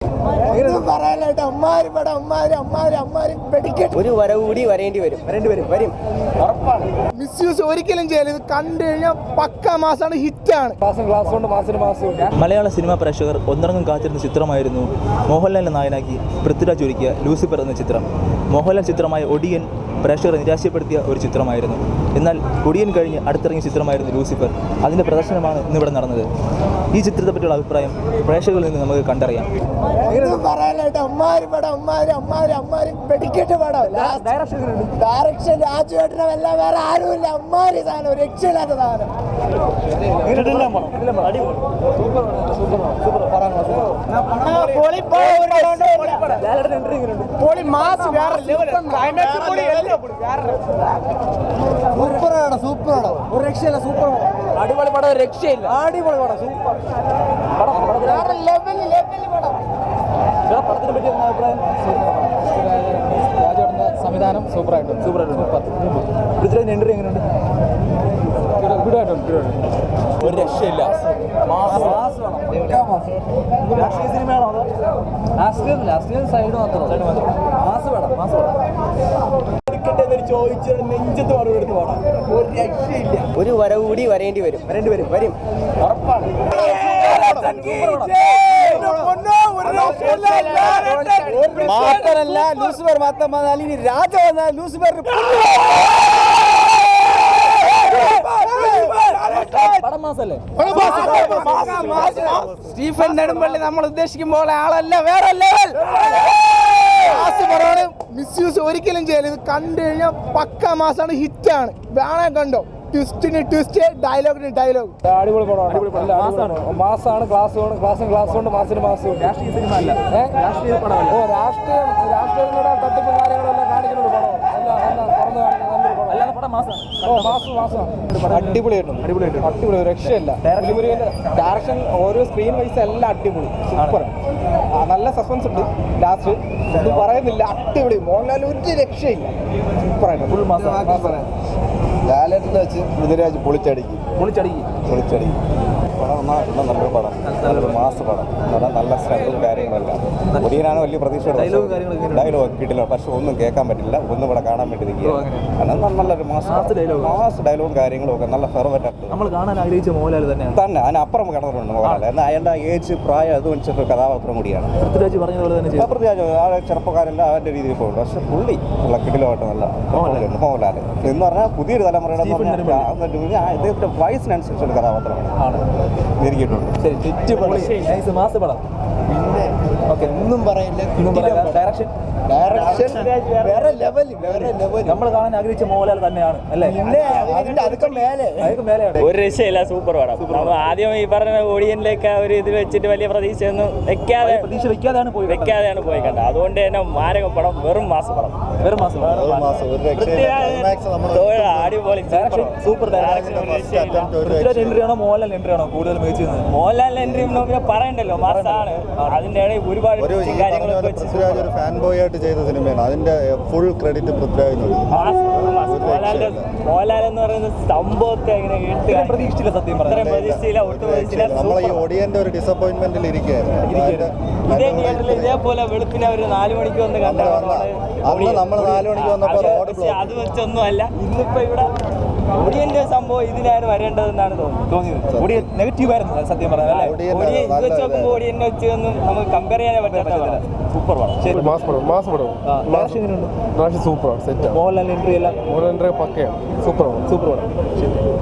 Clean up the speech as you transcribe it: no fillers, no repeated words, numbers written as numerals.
ഒരു വരവ് കൂടി വരേണ്ടി വരും ഉറപ്പാണ്. മിസ്യൂസ് ഒരിക്കലും ചെയ്യല്. ഇത് കണ്ടു കഴിഞ്ഞാൽ പക്ക മാസാണ്, ഹിറ്റാണ്. മലയാള സിനിമാ പ്രേക്ഷകർ ഒന്നിറങ്ങും കാത്തിരുന്ന ചിത്രമായിരുന്നു മോഹൻലാലിനെ നായനാക്കി പൃഥ്വിരാജ് ഒരുക്കിയ ലൂസിഫർ എന്ന ചിത്രം. മോഹൻലാൽ ചിത്രമായ ഒടിയൻ പ്രേക്ഷകരെ നിരാശപ്പെടുത്തിയ ഒരു ചിത്രമായിരുന്നു. എന്നാൽ ഒടിയൻ കഴിഞ്ഞ് അടുത്തിറങ്ങിയ ചിത്രമായിരുന്നു ലൂസിഫർ. അതിൻ്റെ പ്രദർശനമാണ് ഇന്നിവിടെ നടന്നത്. ഈ ചിത്രത്തെ പറ്റിയുള്ള അഭിപ്രായം പ്രേക്ഷകരിൽ നിന്ന് നമുക്ക് കണ്ടറിയാം. ഡയറക്ഷൻ രാജുവേട്ടനല്ല, വേറെ ആരുമില്ല. അമ്മാരി സാധനം, രക്ഷയില്ലാത്ത സാധനം. സൂപ്പറാണ്, ഒരു രക്ഷയില്ല. സൂപ്പർ അടിപൊളി പടം, രക്ഷയില്ല. അടിപൊളി പടം, സൂപ്പർ പടം, ലെവലിൽ പടം. പടത്തിനെ പറ്റി അഭിപ്രായം? രാജുവേട്ടൻ്റെ സംവിധാനം സൂപ്പർ. പൃഥ്വിരാജ് എൻട്രി എങ്ങനെയുണ്ട്? ഒരു രക്ഷയില്ല. രാഷ്ട്രീയ സിനിമയാണോ അതോ രാഷ്ട്രീയ സൈഡ് മാത്രം? മാസ് വേണം. ചോദിച്ചാൽ നെഞ്ചത്ത് പാടുമെടുത്ത് പോകണം. ഒരു രക്ഷയില്ല. ഒരു വരവ് കൂടി വരേണ്ടി വരും ഉറപ്പാണ്. മാത്രല്ല ലൂസിഫർ മാത്രം വന്നാൽ ഇനി രാജ വന്നാൽ ലൂസിഫർ സ്റ്റീഫൻ നെടുമ്പള്ളി നമ്മൾ ഉദ്ദേശിക്കുമ്പോൾ ആളല്ല, വേറെ ലെവൽ. മിസ്യൂസ് ഒരിക്കലും ചെയ്യല്. ഇത് കണ്ടു കഴിഞ്ഞാൽ പക്ക മാസാണ്, ഹിറ്റാണ്. വേണേ കണ്ടോ. ട്വിസ്റ്റിന് ട്വിസ്റ്റ്, ഡയലോഗിന് ഡയലോഗ്. അടിപൊളി പടമാണ്. മാസാണ്, ക്ലാസ് കൊണ്ട് മാസിന് മാസം. രാഷ്ട്രീയ സിനിമ അല്ല, രാഷ്ട്രീയ പടമല്ല. രാഷ്ട്രീയങ്ങളുടെ തട്ടിപ്പ് കാര്യങ്ങളെല്ലാം കാണിക്കുന്നുണ്ട് പടം. അടിപൊളി, രക്ഷയില്ല. ഡയറക്ഷൻ ഓരോ സ്ക്രീൻ വൈസ് എല്ലാം അടിപൊളി, സൂപ്പർ. നല്ല സസ്പെൻസ് ഉണ്ട് ലാസ്റ്റ്, ഒന്നും പറയുന്നില്ല. അടിപൊളി. മോഹൻലാൽ ഒരു രക്ഷയില്ല, സൂപ്പറായിട്ട് ഫുൾ മാസം. ലാലേട്ടനെ വെച്ച് പൃഥ്വിരാജ് പൊളിച്ചടിക്കും. പടം നല്ലൊരു പടം, നല്ലൊരു മാസ പടം. നല്ല സ്റ്റണ്ടും കാര്യങ്ങളെല്ലാം. ഒടിയനാണ് വലിയ പ്രതീക്ഷ. ഡയലോഗ് കിട്ടില്ല, പക്ഷെ ഒന്നും കേൾക്കാൻ പറ്റില്ല. ഒന്നും ഇവിടെ കാണാൻ വേണ്ടി നിൽക്കുക. നല്ലൊരു മാസ് ഡയലോഗും കാര്യങ്ങളും ഒക്കെ നല്ല ഫെർവറ്റ്. നമ്മൾ കാണാൻ ആഗ്രഹിച്ച മോഹൻലാൽ തന്നെ അതിനപ്പുറം കിടന്നിട്ടുണ്ട് മോഹൻലാൽ. എന്നാൽ അയാളുടെ ഏജ് പ്രായം അത് വെച്ചിട്ട് കഥാപാത്രം കൂടിയാണ്. പൃഥ്വിരാജ് പറഞ്ഞതുപോലെ തന്നെ പൃഥ്വിരാജ് ആ ചെറുപ്പക്കാരെല്ലാം അവരുടെ രീതിയിൽ പോകുന്നുണ്ട്. പക്ഷെ പുള്ളി ഉള്ള കിടിലമായിട്ട് നല്ല മോഹൻലാൽ എന്ന് പറഞ്ഞാൽ പുതിയൊരു തലമുറയുടെ ഇദ്ദേഹത്തിന്റെ വയസ്സിനനുസരിച്ചുള്ള കഥാപാത്രമാണ് ഇരിക്കിയിട്ടുണ്ട്. ഒന്നും പറയില്ല. ഡയറക്ഷൻ വേറെ ലെവൽ. നമ്മൾ കാണാൻ ആഗ്രഹിച്ച മോഹൻലാൽ തന്നെയാണ് അല്ലേ? ഒരു രക്ഷയില്ല, സൂപ്പർ പടം. നമ്മൾ ആദ്യം ഈ പറഞ്ഞ ഓഡിയൻസിലേക്ക് ഒരു ഇത് വെച്ചിട്ട് വലിയ പ്രതീക്ഷയൊന്നും വെക്കാതെയാണ് പോയി കണ്ടത്. അതുകൊണ്ട് തന്നെ മാരക പടം, വെറും മാസം പടം. അടിപൊളി സൂപ്പർ. എൻട്രി ആണോ മോഹൻലാൽ എൻട്രി ആണോ കൂടുതൽ മികച്ചത്? മോഹൻലാൽ എൻട്രി പറയണ്ടല്ലോ, മാസാണ്. അതിന്റെ ഇടയിൽ ഒരുപാട് കാര്യങ്ങളൊക്കെ ഒരു ഫാൻ ബോയ് ആയിട്ട് ചെയ്ത സിനിമയാണ്. അതിന്റെ ഫുൾ ക്രെഡിറ്റ് പൃഥ്വിരാജിനുണ്ട്. മോഹൻലാൽ എന്ന് പറയുന്ന സംഭവത്തെ പ്രതീക്ഷിച്ചില്ല, സത്യം പ്രതീക്ഷിച്ചില്ല, ഒട്ടും പ്രതീക്ഷിച്ചില്ല. നമ്മൾ ഈ ഒടിയന്റെ ഒരു ഡിസപ്പോയിന്റ്മെന്റിൽ ഇതേപോലെ വെളുപ്പിനെ ഒരു 4 മണിക്ക് വന്ന് കണ്ടാണ്. നമ്മൾ 4 മണിക്ക് വന്നപ്പോൾ അത് വെച്ചൊന്നും അല്ല. ഇന്നിപ്പോ ഇവിടെ ഒടിയന്റെ സംഭവം ഇതിനാണ് വരേണ്ടതെന്നാണ് തോന്നിയത്. നെഗറ്റീവ് ആയിരുന്നു സത്യം പറഞ്ഞാൽ. ഇത് വെച്ച് നോക്കുമ്പോൾ ഒടിയനെ വെച്ചൊന്നും നമുക്ക് കമ്പയർ ചെയ്യാനേ പറ്റാത്ത സൂപ്പർ പടം. മാസ് പടം. Super set. മോഹൻലാൽ എൻട്രി എല്ലാം പക്കയാണ്. സൂപ്പർ പടം. ശരി.